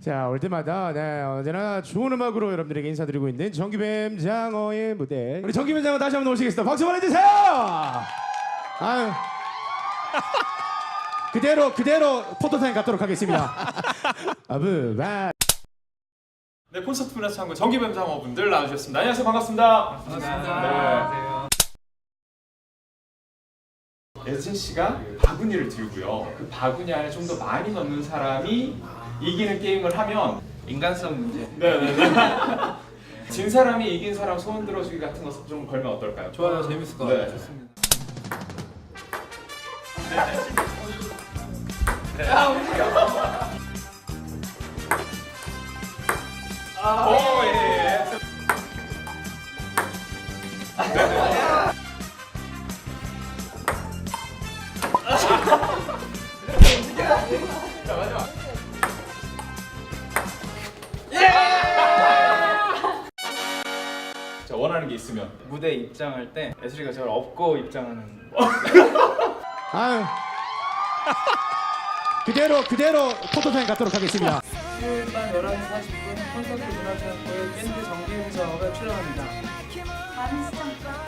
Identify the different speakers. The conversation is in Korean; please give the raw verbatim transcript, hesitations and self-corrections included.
Speaker 1: 자, 올 때마다 네, 언제나 좋은 음악으로 여러분들에게 인사드리고 있는 정규뱀 장어의 무대. 우리 정규뱀 장어 다시 한번 오시겠습니다. 박수 보내주세요. 아유. 그대로 그대로 포토타임 갖도록 하겠습니다. 아브바.
Speaker 2: 네, 콘서트 문화 창고 정규뱀 장어분들 나와주셨습니다. 안녕하세요, 반갑습니다.
Speaker 3: 반갑습니다.
Speaker 2: 네. 예진 씨가 바구니를 들고요. 그 바구니 안에 좀 더 많이 넣는 사람이 이기는 게임을 하면
Speaker 3: 인간성 문제.
Speaker 2: 네네네. 진 사람이 이긴 사람 소원 들어주기 같은 거 좀 걸면 어떨까요?
Speaker 3: 좋아요, 재밌을 것
Speaker 2: 네.
Speaker 3: 같아요. 좋습니다.
Speaker 2: 오, 예, 예. 자, 마지막. 자, 원하는 게 있으면
Speaker 3: 무대 입장할 때 예슬이가 저를 업고 입장하는.
Speaker 1: 아유. 그대로 그대로 포토타임 갖도록 하겠습니다.
Speaker 3: 수요일 밤 열한 시 사십 분 콘서트 문화체육회에 밴드 정기훈 장어가 출연합니다.
Speaker 4: 많은 시청